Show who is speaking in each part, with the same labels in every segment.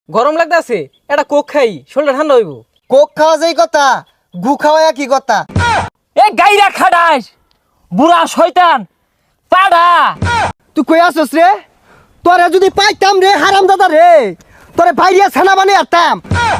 Speaker 1: গরম লাগতাছে, এটা কোক খাই, শরীরটা ঠান্ডা হইব।
Speaker 2: কোক খাওয়া যেই কথা, গু খাওয়া কি কথা?
Speaker 3: এ গাইরা খাডাস বুড়া শয়তান পাড়া।
Speaker 2: তুই কই আসছ রে? তোরে যদি পাইতাম রে হারাম দাদা রে, তোরে বাইরিয়া ছানা বানিয়ে আরতাম।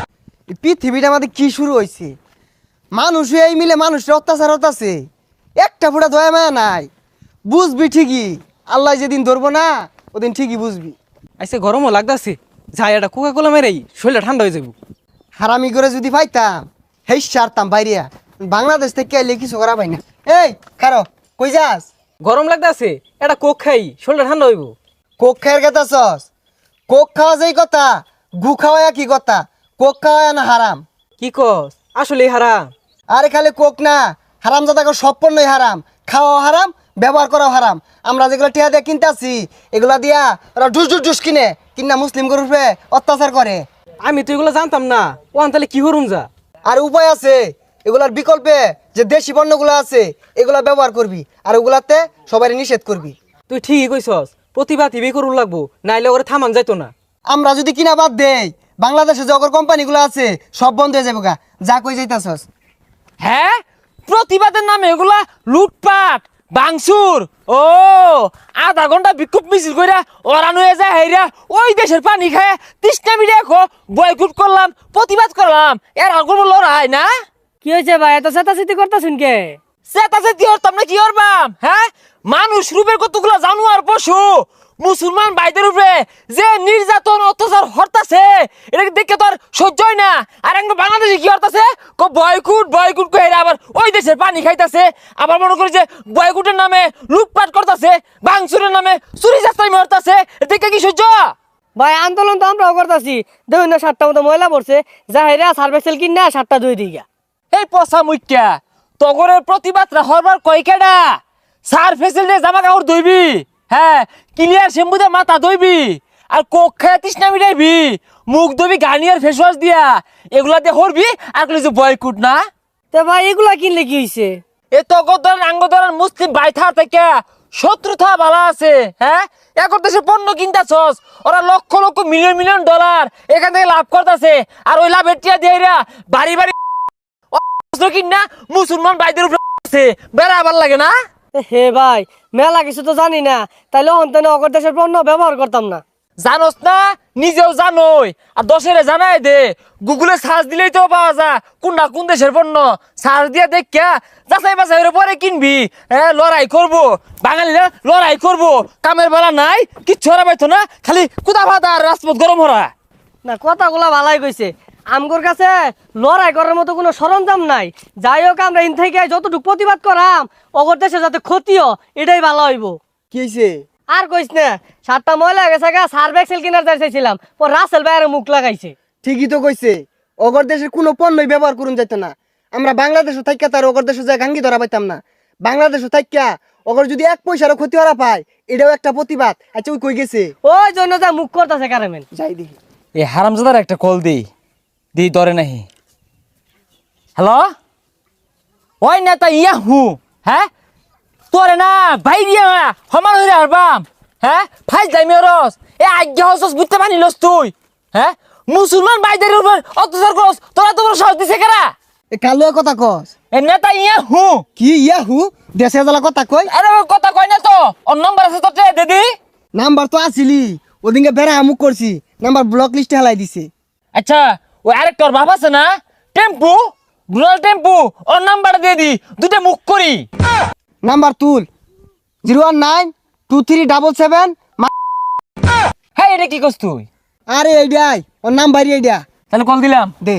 Speaker 2: এই পৃথিবীটা আমাদের কি শুরু হয়েছে? মানুষ এই মিলে মানুষের অত্যাচার হতাছে, একটা ফুটা দয়া মায়া নাই। বুঝবি ঠিকই, আল্লাহ যেদিন ধরবো না ওদিন ঠিকই বুঝবি।
Speaker 1: আইসে গরমও লাগতাছে, যাই এটা কোকা কোলা মেরেই শরীরটা ঠান্ডা হয়ে যাব।
Speaker 2: হারামি করে যদি পাইতাম হেই সারতাম বাইরিয়া। বাংলাদেশ থেকে এলে কিছু করা পাই না। এই খারো, কই যাস?
Speaker 1: গরম লাগতাছে, এটা কোক খাই, শরীরটা ঠান্ডা হইব।
Speaker 2: কোক খায়ের কথা সস? কোক খাওয়া যেই কথা, গু খাওয়া কি কথা? কোক খাওয়া না হারাম?
Speaker 1: কি কস? আসলে হারাম?
Speaker 2: আরে খালি কোক না, হারাম জাদাকে সব পণ্যই হারাম। খাওয়া হারাম, ব্যবহার করাও হারাম। আমরা যেগুলো টিয়া দিয়ে কিনতে আসি, এগুলা দিয়া ওরা ডুস ডুস ডুস কিনে কিনা মুসলিম গরুপে অত্যাচার করে।
Speaker 1: আমি তো এগুলো জানতাম না, ওয়ান তাহলে কি হরুম যা।
Speaker 2: আর উপায় আছে, এগুলার বিকল্পে যে দেশি পণ্যগুলো আছে এগুলা ব্যবহার করবি, আর ওগুলাতে সবাই নিষেধ করবি।
Speaker 1: তুই ঠিকই কইছস, প্রতিভা টিভি করুন লাগবো, নাইলে ওরে থামান যাইতো না।
Speaker 2: আমরা যদি কিনা বাদ দেই, বাংলাদেশে যে অগর কোম্পানিগুলো আছে সব বন্ধ হয়ে যাবে গা। যা কই যাইতাছস?
Speaker 3: হ্যাঁ, প্রতিবাদের নামে এগুলা লুটপাট বাংসুর। ও আধা ঘন্টা বিক্ষোভ মিছিল কইরা ওরান হয়ে যায় হেরা ওই দেশের পানি খায় তৃষ্ণা মিডিয়া খো বয়কুট করলাম, প্রতিবাদ করলাম, এর আগুন লড়াই না।
Speaker 4: কি হয়েছে ভাই, এত চেতাচেতি করতেছেন কে?
Speaker 3: সেটাছে কি হরতাম না কি হরবাম? হ্যাঁ, মানুষ রূপের কতগুলো জানোয়ার পশু মুসলমান ভাইদের উপরে যে নির্যাতন অত্যাচার হরতাছে, এটাকে দেখে তো আর সহ্য হয় না। আর একদম বাংলাদেশে কি হরতাছে, বয়কুট বয়কুট কই আবার ওই দেশের পানি খাইতাছে, আবার মনে করি যে বয়কুটের নামে লুটপাট করতেছে, বাংসুরের নামে চুরি চাস্তাই মারতাছে, দেখে কি সহ্য?
Speaker 4: ভাই আন্দোলন তো আমরাও করতেছি, দেখুন না 7টা মতো ময়লা পড়ছে, যা হেরা সার্ভেসেল কিন না 7টা ধুই দিগা।
Speaker 3: এই পচা মুখ্যা তগরের প্রতিবাদরা হরবার কয়কেডা? সার ফেসিলিটি জামা কাপড় ধুইবি, হ্যাঁ ক্লিয়ার শ্যাম্পু দিয়ে মাথা ধুইবি, আর কোক খায় তৃষ্ণা মিটাইবি, মুখ ধুবি গার্নিয়ার ফেস ওয়াশ দিয়া, এগুলা দিয়ে হরবি। আর কইলি যে বয়কুট না?
Speaker 4: তো ভাই এগুলা কিনলে কি হয়েছে?
Speaker 3: এ তগর আঙ্গদরার মুসলিম বাইথা থেকে শত্রুতা বালা আছে। হ্যাঁ, এখন দেশে পণ্য কিনতাছস, ওরা লক্ষ লক্ষ মিলিয়ন মিলিয়ন ডলার এখান থেকে লাভ করতেছে, আর ওই লাভের টিয়া দিয়ে বাড়ি বাড়ি কিনা মুসলমান ভাইদের উপরে বেড়া আবার লাগে না।
Speaker 4: হে ভাই, মেলা কিছু তো জানি না, তাইলে অন্তনে অগর দেশের পণ্য ব্যবহার করতাম না।
Speaker 3: জানোস না, নিজেও জানোই, আর দশেরে জানাই দে। গুগলে সার্চ দিলেই তো পাওয়া যায় কোনটা কোন দেশের পণ্য। সার্চ দিয়ে দেখা যাচাই বাছাই পরে কিনবি। হ্যাঁ, লড়াই করবো, বাঙালিরা লড়াই করবো, কামের বেলা নাই, কিচ্ছু হরা পাইতো না, খালি কুদা ভাতা আর রাজপথ গরম হরা।
Speaker 4: না, কথাগুলা ভালাই কইছে, আমগোর কাছে লড়াই করার মতো কোনো সরঞ্জাম নাই। যাই হোক, আমরা ইন থেকে যতটুকু প্রতিবাদ করাম অগর দেশে যাতে ক্ষতিও, এটাই ভালো হইব।
Speaker 2: কি হয়েছে?
Speaker 4: আর কইস না, 7টা ময়লা গেছে গা, সার্ভেক্সেল কিনার চাইছিলাম, ও রাসেল ভাইয়ের মুখ লাগাইছে।
Speaker 2: ঠিকই তো কইছে, অগর দেশের কোনো পণ্যই ব্যবহার করুন যাইতো না। আমরা বাংলাদেশে থাইকা তার অগর দেশে যায় গাঙ্গি ধরা পাইতাম না। বাংলাদেশে থাইকা অগর যদি 1 পয়সারও ক্ষতি হরা পায়, এটাও একটা প্রতিবাদ। আচ্ছা ওই কই গেছে?
Speaker 4: ওই জন্য যা মুখ করতেছে কারেমেন।
Speaker 2: যাই দেখি।
Speaker 3: এই হারামজাদার একটা কল দিই, ধরে নাহি। হ্যালো, ওই নেতা ইয়াহু, হ্যাঁ তোরে না বাইরিয়া সমান হইরে হারবাম। হ্যাঁ, ফাইজ যাইমি রস এ আজ্ঞা হসস বুঝতে পারিলস তুই? হ্যাঁ, মুসলমান ভাইদের উপর অত্যাচার করস, তোরা তো সাহস দিছে কেরা?
Speaker 2: এ কালো কথা কস?
Speaker 3: এ নেতা ইয়াহু।
Speaker 2: কি ইয়াহু? দেশে জ্বালা কথা কই?
Speaker 3: আরে ওই কথা কই না তো, ওর নম্বর আছে তোর দিদি।
Speaker 2: নাম্বার তো আসিলি, ওদিনকে বেড়া আমুক করছি, নাম্বার ব্লক লিস্টে হেলাই দিছে।
Speaker 3: আচ্ছা, ওই আরেকটা ওর বাপ আছে না, টেম্পু, রুরাল টেম্পু, ওর নাম্বার দিয়ে দি, দুটো মুখ করি।
Speaker 2: নাম্বার তুল, 0192377।
Speaker 3: হ্যাঁ, এটা কি করছ তুই?
Speaker 2: আরে এইডাই ওর নাম্বার, এইডা
Speaker 3: তাহলে কল দিলাম।
Speaker 2: দে।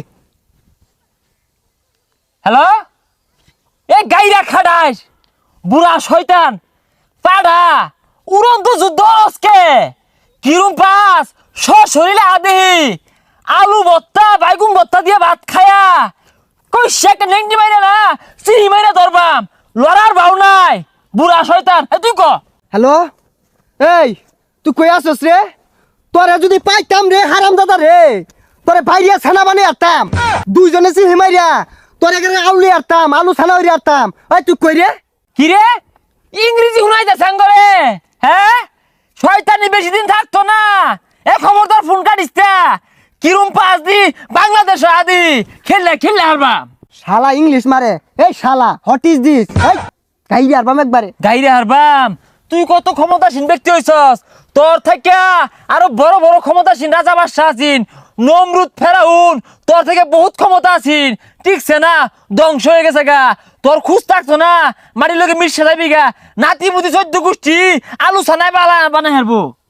Speaker 3: হ্যালো, এ গাইরা খাডাস বুড়া শয়তান পাড়া, উড়ন্ত যুদ্ধ আজকে কিরম পাস শরীরে আদেহি আলু ভর্তা বাইগুন ভর্তা দিয়ে ভাত খায়া কই শেক নেংটি মাইরা না চিনি মাইরা ধরবাম, লড়ার ভাও নাই বুড়া শয়তান। তুই ক।
Speaker 2: হ্যালো, এই তুই কই আসছ রে? তোরে যদি পাইতাম রে হারাম দাদা রে, তোরে বাইরিয়া ছানা বানিয়ে আরতাম। দুইজনে চিনি মাইরা তোরে এখানে আউলি আরতাম, আলু ছানা হইরে আরতাম। ওই তুই কই রে?
Speaker 3: কি রে, ইংরেজি শুনাইতে সাঙ্গরে? হ্যাঁ, শয়তানি বেশি দিন থাকতো না, এ খবরদার ফোন কাটিস না। কিরম পাস দি বাংলাদেশ আদি খেললে হারবাম
Speaker 2: শালা ইংলিশ মারে এই শালা হোয়াট ইজ দিস এই গাইরে আরবাম একবারে
Speaker 3: গাইরে হারবাম তুই কত ক্ষমতাসীন ব্যক্তি হইছস তোর থেকে আরো বড় বড় ক্ষমতাসীন রাজা বাদশাহ আছেন নমরুদ ফেরাউন তোর থেকে বহুত ক্ষমতা আছেন ঠিকছে না ধ্বংস হয়ে গেছে গা তোর খুঁজ থাকতো না মাটির লোকে মিশে যাবি গা নাতি মুতি 14 গোষ্ঠী আলু ছানায় বানাই হারবো